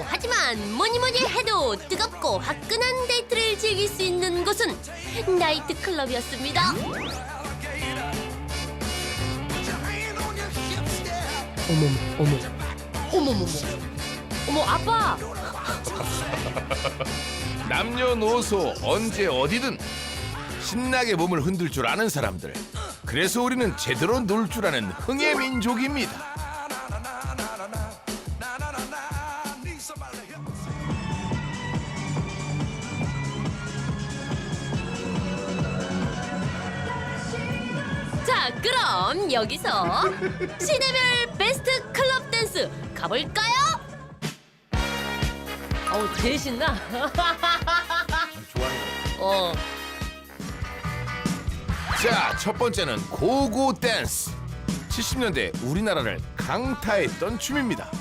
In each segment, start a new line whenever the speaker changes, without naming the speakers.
하지만 뭐니뭐니 해도 뜨겁고 화끈한 데이트를 즐길 수 있는 곳은 나이트클럽이었습니다. 어머머머. 어머, 아빠!
남녀노소 언제 어디든 신나게 몸을 흔들 줄 아는 사람들. 그래서 우리는 제대로 놀 줄 아는 흥의 민족입니다.
자, 그럼 여기서 시대별 베스트 클럽 댄스 가볼까요? 어우, 제일 신나. 어.
자, 첫 번째는 고고 댄스. 70년대 우리나라를 강타했던 춤입니다.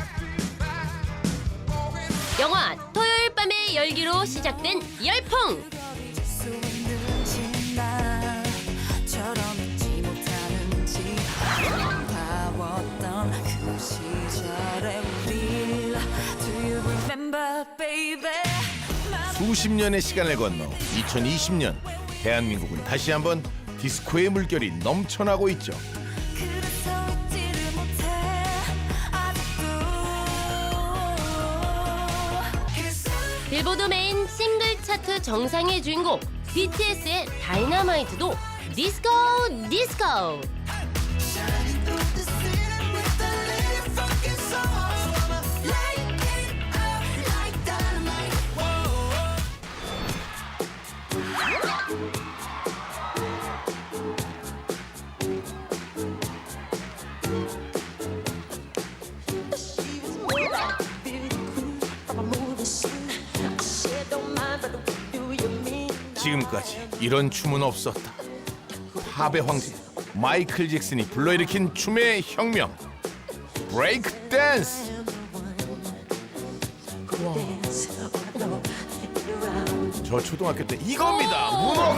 영화 토요일 밤의 열기로 시작된 열풍.
수십 년의 시간을 건너 2020년 대한민국은 다시 한번 디스코의 물결이 넘쳐나고 있죠.
빌보드 메인 싱글 차트 정상의 주인공 BTS의 다이너마이트도 디스코 디스코.
지금까지 이런 춤은 없었다. 팝의 황제 마이클 잭슨이 불러일으킨 춤의 혁명, 브레이크 댄스. 저 초등학교 때 이겁니다. 문어.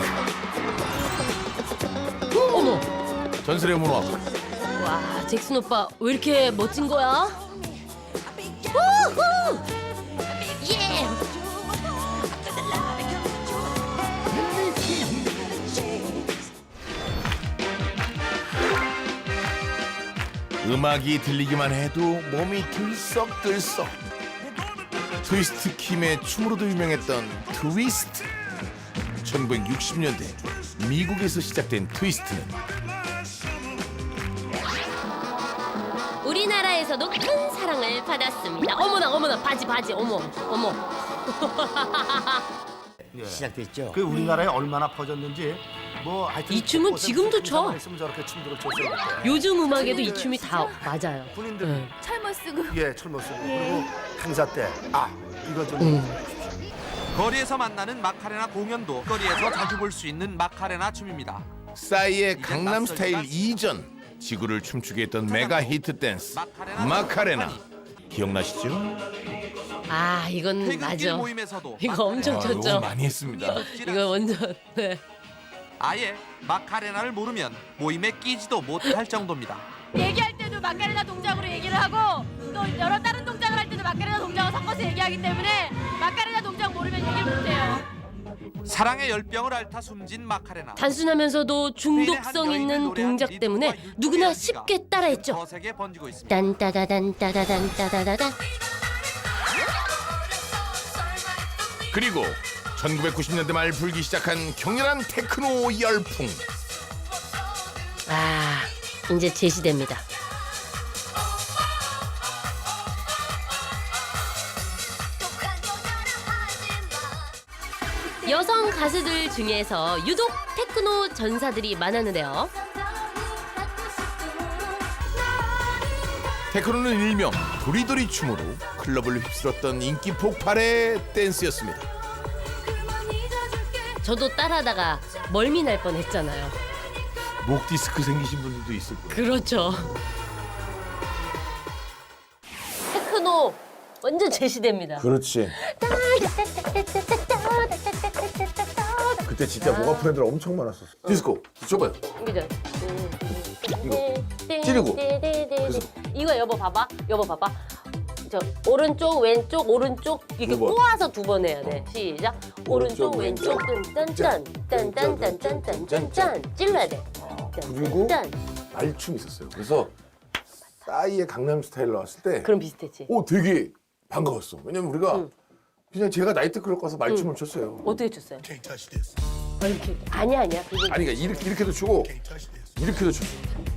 어머,
전설의 문어.
와, 잭슨 오빠 왜 이렇게 멋진 거야? 우후! 예!
음악이 들리기만 해도 몸이 들썩들썩. 트위스트 킴의 춤으로도 유명했던 트위스트. 1960년대 미국에서 시작된 트위스트는
우리나라에서도 큰 사랑을 받았습니다. 어머나 바지 어머.
시작됐죠.
그 우리나라에 얼마나 퍼졌는지 뭐 하여튼
이 춤은 지금도 춰.
했으면 저렇게 춤들을 췄어야 될 거야.
요즘 음악에도 이 춤이 다 맞아요.
군인들
네.
철모 쓰고
예 철모 쓰고 그리고 행사 때 이거 좀
거리에서 만나는 마카레나 공연도 거리에서 자주 볼 수 있는 마카레나 춤입니다.
싸이의 강남 스타일 이전 지구를 춤추게 했던 메가 히트 댄스 마카레나. 기억나시죠?
아, 이건
퇴근길
맞아.
모임에서도
이거 엄청
마카레나
쳤죠.
너무 많이 했습니다.
이거 완전 네.
아예 마카레나를 모르면 모임에 끼지도 못할 정도입니다.
얘기할 때도 마카레나 동작으로 얘기를 하고 또 여러 다른 동작을 할 때도 마카레나 동작을 섞어서 얘기하기 때문에 마카레나 동작 모르면 얘기를 못해요.
사랑의 열병을 앓다 숨진 마카레나.
단순하면서도 중독성 있는 동작 때문에 누구나 쉽게 따라했죠.
거세게 번지고 있습니다.
딴따다단 따다단 따다다단.
그리고 1990년대 말 불기 시작한 격렬한 테크노 열풍.
아, 이제 제 시대입니다. 여성 가수들 중에서 유독 테크노 전사들이 많았는데요.
테크노는 일명 도리도리 춤으로 클럽을 휩쓸었던 인기 폭발의 댄스였습니다.
저도 따라하다가 멀미 날 뻔했잖아요.
목 디스크 생기신 분들도 있을 거예요.
그렇죠. 테크노 완전 제 시대입니다.
그렇지. 그때 진짜 목 아픈 애들 엄청 많았었어. 디스코 줘봐요.
그죠?
이거 찌르고. 그래서
이거 여보 봐봐. 저 오른쪽 왼쪽 오른쪽 이렇게
두 번.
꼬아서 두 번 해야 돼. 시작. 오른쪽 왼쪽 딴딴딴 딴딴딴딴딴딴 찔러야 돼.
그리고
딴.
말춤이 있었어요. 그래서 싸이의 강남 스타일 나왔을 때
그럼 비슷했지.
되게 반가웠어. 왜냐면 우리가 그냥 제가 나이트클럽 가서 말춤을 췄어요.
어떻게 췄어요? 이렇게. 아니야. 그거
아니 그러니까 이렇게도 추고 이렇게도 췄어.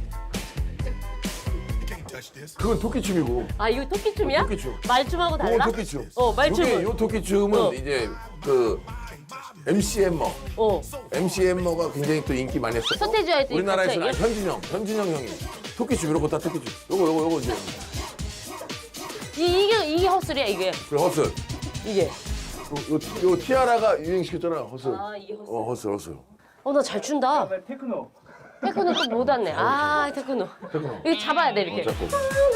그건 토끼춤이고
아 이거 토끼춤이야?
토끼춤.
말춤하고
그건
달라?
토끼춤.
말춤은.
요 토끼춤은
어.
이제 그 MC 햄머.
어.
MC 햄머가 굉장히 또 인기 많이 했었고
서태지와의 또
우리나라에서는
갑자기?
현진영 형이 토끼춤 이런 거 다 토끼춤. 요거 이제
이게 헛소리야 이게.
그 허슬.
이게.
요 티아라가 유행시켰잖아 허슬.
아 이게 헛소리.
허슬.
나 잘 춘다. 테크노 또 못 왔네. 아 테크노. 이거 잡아야 돼 이렇게.
잡고.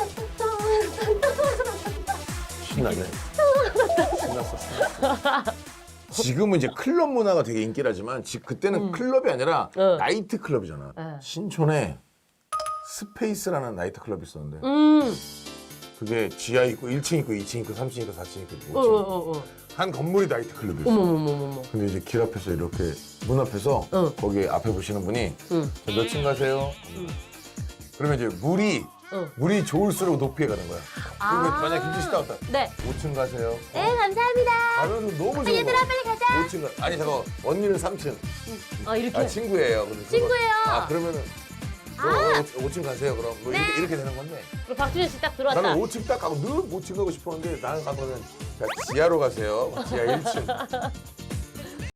신나네. 신났어. 지금은 이제 클럽 문화가 되게 인기라지만 그때는 클럽이 아니라 나이트 클럽이잖아. 신촌에 스페이스라는 나이트 클럽이 있었는데 그게 지하 있고 1층 있고 2층 있고 3층 있고 4층 있고 5층 한 건물이 나이트 클럽이었어.
어머머머머.
근데 이제 길 앞에서 이렇게 문 앞에서 거기 앞에 보시는 분이 몇 층 가세요? 그러면 이제 물이 좋을수록 높이 가는 거야. 그리고 만약 김치 씨 따왔다.
네.
5층 가세요.
네 감사합니다.
가면 너무 좋은 거야.
얘들아 빨리 가자.
5층 가. 아니 잠깐 언니는 3층.
이렇게.
친구예요. 그래서
친구예요.
그러면은 5층 가세요. 그럼 뭐 이렇게 되는 건데.
그리고 박준현 씨 딱 들어왔다.
나는 5층 딱 가고 늘 5층 가고 싶었는데 나는 가면은 지하로 가세요. 지하 1층.